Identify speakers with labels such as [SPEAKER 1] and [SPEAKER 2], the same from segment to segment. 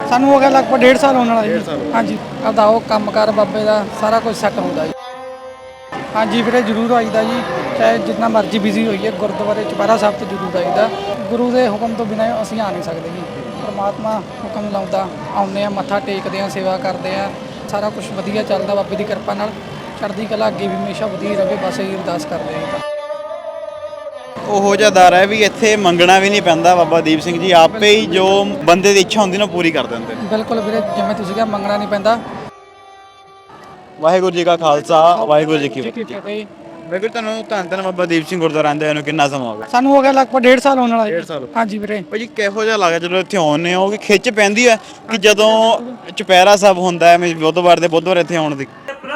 [SPEAKER 1] ਸਾਨੂੰ ਹੋ ਗਿਆ ਲਗਭਗ 1.5 ਸਾਲ ਹੋਣ ਵਾਲਾ ਜੀ।
[SPEAKER 2] 1.5 ਸਾਲ
[SPEAKER 1] ਹਾਂਜੀ ਆਪਦਾ ਉਹ ਕੰਮਕਾਰ ਬਾਬੇ ਦਾ ਸਾਰਾ ਕੁਝ ਸੈੱਟ ਹੁੰਦਾ ਜੀ। ਹਾਂਜੀ ਵੀਰੇ ਜ਼ਰੂਰ ਆਈਦਾ ਜੀ, ਚਾਹੇ ਜਿੰਨਾ ਮਰਜ਼ੀ ਬਿਜ਼ੀ ਹੋਈਏ ਗੁਰਦੁਆਰੇ ਚੁਪਹਿਰਾ ਸਾਹਿਬ ਤੇ ਜ਼ਰੂਰ ਆਈਦਾ। ਗੁਰੂ ਦੇ ਹੁਕਮ ਤੋਂ ਬਿਨਾਂ ਅਸੀਂ ਆ ਨਹੀਂ ਸਕਦੇ ਜੀ। ਪਰਮਾਤਮਾ ਹੁਕਮ ਲਾਉਂਦਾ ਆਉਂਦੇ ਆ, ਮੱਥਾ ਟੇਕਦੇ ਆ, ਸੇਵਾ ਕਰਦੇ ਆ, ਸਾਰਾ ਕੁਝ ਵਧੀਆ ਚੱਲਦਾ ਬਾਬੇ ਦੀ ਕਿਰਪਾ ਨਾਲ। ਚੜ੍ਹਦੀ ਕਲਾ ਅੱਗੇ ਵੀ ਹਮੇਸ਼ਾ ਵਧੀਆ ਰਹੇ, ਬਸ ਇਹੀ ਅਰਦਾਸ ਕਰਦੇ ਆ।
[SPEAKER 2] ਉਹੋ ਜਿਹਾ ਦਰ ਹੈ ਵੀ ਇੱਥੇ ਮੰਗਣਾ ਵੀ ਨਹੀਂ ਪੈਂਦਾ। ਬਾਬਾ ਦੀਪ ਸਿੰਘ ਜੀ ਆਪੇ ਹੀ ਜੋ ਬੰਦੇ ਦੀ ਇੱਛਾ ਹੁੰਦੀ ਨਾ ਪੂਰੀ ਕਰ ਦਿੰਦੇ ਨੇ।
[SPEAKER 1] ਬਿਲਕੁਲ ਵੀਰੇ, ਜਿਵੇਂ ਤੁਸੀਂ ਕਿਹਾ ਮੰਗਣਾ ਨਹੀਂ ਪੈਂਦਾ।
[SPEAKER 2] ਵਾਹਿਗੁਰੂ ਜੀ ਕਾ ਖਾਲਸਾ, ਵਾਹਿਗੁਰੂ ਜੀ ਕੀ ਫਤਿਹ।
[SPEAKER 1] ਫਤਿਹ।
[SPEAKER 2] ਵਾਹਿਗੁਰੂ ਤੁਹਾਨੂੰ ਧੰਨ ਧੰਨ ਬਾਬਾ ਦੀਪ ਸਿੰਘ ਗੁਰਦੁਆਰਾ ਆਂਦੇ ਨੂੰ ਕਿੰਨਾ ਸਮਾਂ ਹੋ ਗਿਆ?
[SPEAKER 1] ਸਾਨੂੰ ਹੋ ਗਿਆ ਲਗਭਗ 1.5 ਸਾਲ ਹੋਣ ਵਾਲਾ ਜੀ।
[SPEAKER 2] 1.5 ਸਾਲ।
[SPEAKER 1] ਹਾਂਜੀ ਵੀਰੇ।
[SPEAKER 2] ਭਾਜੀ ਕਿਹੋ ਜਿਹਾ ਲੱਗਦਾ ਜਦੋਂ ਇੱਥੇ ਆਉਂਦੇ ਹੋ? ਕਿ ਖਿੱਚ ਪੈਂਦੀ ਹੈ ਕਿ ਜਦੋਂ ਚੁਪਹਿਰਾ ਸਾਹਿਬ ਹੁੰਦਾ ਹੈ, ਮੈਂ ਬੁੱਧਵਾਰ ਦੇ ਬੁੱਧਵਾਰ ਇੱਥੇ ਆਉਣ ਦੀ?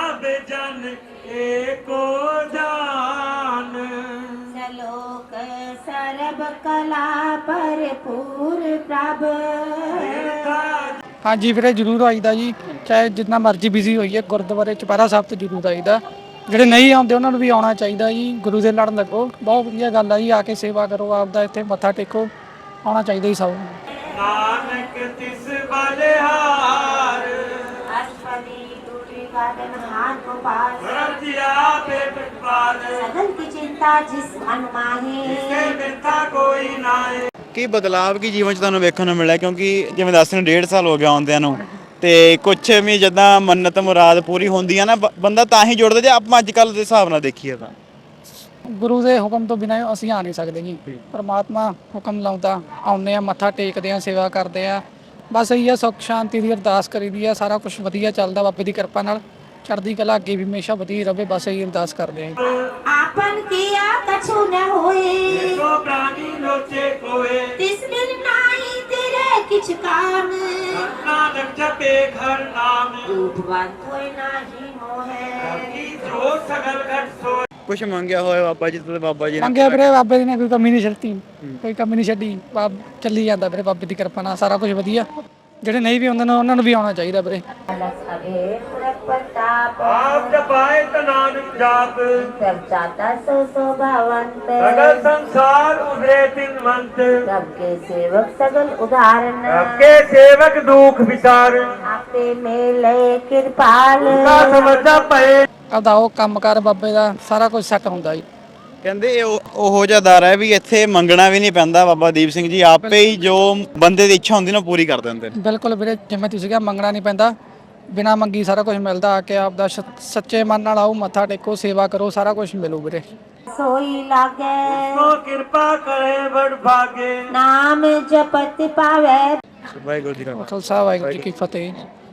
[SPEAKER 1] ਹਾਂਜੀ ਵੀਰੇ ਜ਼ਰੂਰ ਆਈਦਾ ਜੀ, ਚਾਹੇ ਜਿੰਨਾ ਮਰਜ਼ੀ ਬਿਜ਼ੀ ਹੋਈਏ ਗੁਰਦੁਆਰੇ ਚੁਪਹਿਰਾ ਸਾਹਿਬ ਤੇ ਜ਼ਰੂਰ ਆਈਦਾ। ਜਿਹੜੇ ਨਹੀਂ ਆਉਂਦੇ ਉਹਨਾਂ ਨੂੰ ਵੀ ਆਉਣਾ ਚਾਹੀਦਾ ਜੀ। ਗੁਰੂ ਦੇ ਲੜ ਲੱਗੋ, ਬਹੁਤ ਵਧੀਆ ਗੱਲ ਆ ਜੀ। ਆ ਕੇ ਸੇਵਾ ਕਰੋ, ਆਪਦਾ ਇੱਥੇ ਮੱਥਾ ਟੇਕੋ, ਆਉਣਾ ਚਾਹੀਦਾ ਜੀ ਸਭ ਨੂੰ।
[SPEAKER 3] ਨਾਨਕ ਤਿਸ ਬਲਿਹਾਰ
[SPEAKER 2] ਕੀ ਬਦਲਾਵ ਕੀ ਜੀਵਨ 'ਚ ਤੁਹਾਨੂੰ ਵੇਖਣ ਨੂੰ ਮਿਲਿਆ? ਕਿਉਂਕਿ ਜਿਵੇਂ ਦੱਸ ਰਹੇ 1.5 ਸਾਲ ਹੋ ਗਿਆ ਆਉਂਦਿਆਂ ਨੂੰ, ਤੇ ਕੁਛ ਵੀ ਜਿੱਦਾਂ ਮੰਨਤ ਮੁਰਾਦ ਪੂਰੀ ਹੁੰਦੀ ਆ ਨਾ, ਬੰਦਾ ਤਾਂ ਹੀ ਜੁੜਦਾ। ਜੇ ਆਪਾਂ ਅੱਜ ਕੱਲ੍ਹ ਦੇ ਹਿਸਾਬ ਨਾਲ ਦੇਖੀਏ ਤਾਂ
[SPEAKER 1] ਗੁਰੂ ਦੇ ਹੁਕਮ ਤੋਂ ਬਿਨਾਂ ਅਸੀਂ ਆ ਨਹੀਂ ਸਕਦੇ ਜੀ। ਪਰਮਾਤਮਾ ਹੁਕਮ ਲਾਉਂਦਾ ਆਉਂਦੇ ਆ, ਮੱਥਾ ਟੇਕਦੇ ਆ, ਸੇਵਾ ਕਰਦੇ ਆ, ਬਸ ਇਹੀ ਆ। ਸੁੱਖ ਸ਼ਾਂਤੀ ਦੀ ਅਰਦਾਸ ਕਰੀਦੀ ਆ, ਸਾਰਾ ਕੁਝ ਵਧੀਆ ਚੱਲਦਾ ਬਾਬੇ ਦੀ ਕਿਰਪਾ ਨਾਲ। ਚੜ੍ਹਦੀ ਕਲਾ ਅੱਗੇ ਵੀ ਹਮੇਸ਼ਾ ਵਧੀਆ ਰਹੇ, ਬਸ ਇਹੀ ਅਰਦਾਸ ਕਰਦੇ ਆ।
[SPEAKER 4] आपन किया कछु न होए,
[SPEAKER 3] ਸੋ ਪ੍ਰਾਨੀ ਲੋਚੇ ਕੋਏ,
[SPEAKER 4] तिस बिन नाई तेरे किछ काम।
[SPEAKER 3] ਨਾਨਕ ਜਪੇ ਘਰ ਨਾਮ,
[SPEAKER 4] रूपवान कोई नाही मोहे।
[SPEAKER 3] ਕੀ ਜੋ ਸਗਲ ਘਟ ਸੋਏ।
[SPEAKER 2] ਕੁਛ ਮੰਗਿਆ ਹੋਇਆ ਬਾਬਾ ਜੀ ਤੋਂ? ਬਾਬਾ ਜੀ ਨੇ
[SPEAKER 1] ਮੰਗਿਆ ਵੀਰੇ ਬਾਬੇ ਦੀ ਨੇ ਕੋਈ ਕਮੀ ਨਹੀਂ ਛੱਡੀ, ਕੋਈ ਕਮੀ ਨਹੀਂ ਛੱਡੀ। ਚੱਲੀ ਜਾਂਦਾ ਵੀਰੇ ਬਾਬੇ ਦੀ ਕਿਰਪਾ ਨਾਲ, ਸਾਰਾ ਕੁਝ ਵਧੀਆ। ਜਿਹੜੇ ਨਹੀਂ ਵੀ ਆਉਂਦੇ ਨੇ ਉਹਨਾਂ ਨੂੰ ਵੀ ਆਉਣਾ ਚਾਹੀਦਾ ਵੀਰੇ।
[SPEAKER 3] ਆਪ ਜਪਾਏ ਤਾ ਨਾਨਕ ਜਾਪ,
[SPEAKER 4] जाता सो शोभावंत।
[SPEAKER 3] ਸਗਲ ਸੰਸਾਰ ਉਧਰੇ ਤਿਨਵੰਤ,
[SPEAKER 4] सबके सेवक सगल उदाहरण।
[SPEAKER 3] ਆਪਕੇ ਸੇਵਕ ਦੁਖ ਵਿਚਾਰ,
[SPEAKER 4] आपे मेले कृपाल।
[SPEAKER 3] ਕਾ ਸਮਝਾ ਪਏ।
[SPEAKER 1] ਆਪਦਾ ਉਹ ਕੰਮਕਾਰ ਬਾਬੇ ਦਾ ਸਾਰਾ ਕੁਝ ਸੈੱਟ ਹੁੰਦਾ ਜੀ।
[SPEAKER 2] ਕਹਿੰਦੇ ਇਹ ਉਹੋ ਜਿਹਾ ਦਰ ਹੈ ਵੀ ਇੱਥੇ ਮੰਗਣਾ ਵੀ ਨਹੀਂ ਪੈਂਦਾ। ਬਾਬਾ ਦੀਪ ਸਿੰਘ ਜੀ ਆਪੇ ਹੀ ਜੋ ਬੰਦੇ ਦੀ ਇੱਛਾ ਹੁੰਦੀ ਨਾ ਪੂਰੀ ਕਰ ਦਿੰਦੇ ਨੇ।
[SPEAKER 1] ਬਿਲਕੁਲ ਵੀਰੇ, ਜਿਵੇਂ ਤੁਸੀਂ ਕਿਹਾ ਮੰਗਣਾ ਨਹੀਂ ਪੈਂਦਾ, ਬਿਨਾਂ ਮੰਗੀ ਸਾਰਾ ਕੁਝ ਮਿਲਦਾ। ਆ ਕੇ ਆਪਦਾ ਸੱਚੇ ਮਨ ਨਾਲ ਆਓ, ਮੱਥਾ ਟੇਕੋ, ਸੇਵਾ ਕਰੋ, ਸਾਰਾ ਕੁਝ ਮਿਲੂ ਵੀਰੇ।
[SPEAKER 4] सोई लागे
[SPEAKER 3] ਸੋ ਕਿਰਪਾ ਕਰੇ ਬੜ ਭਾਗੇ,
[SPEAKER 4] नाम जपत पावे।
[SPEAKER 2] ਵਾਹਿਗੁਰੂ ਜੀ ਕਾ
[SPEAKER 1] ਖਾਲਸਾ ਵਾਹਿਗੁਰੂ ਜੀ ਕੀ ਫਤਿਹ।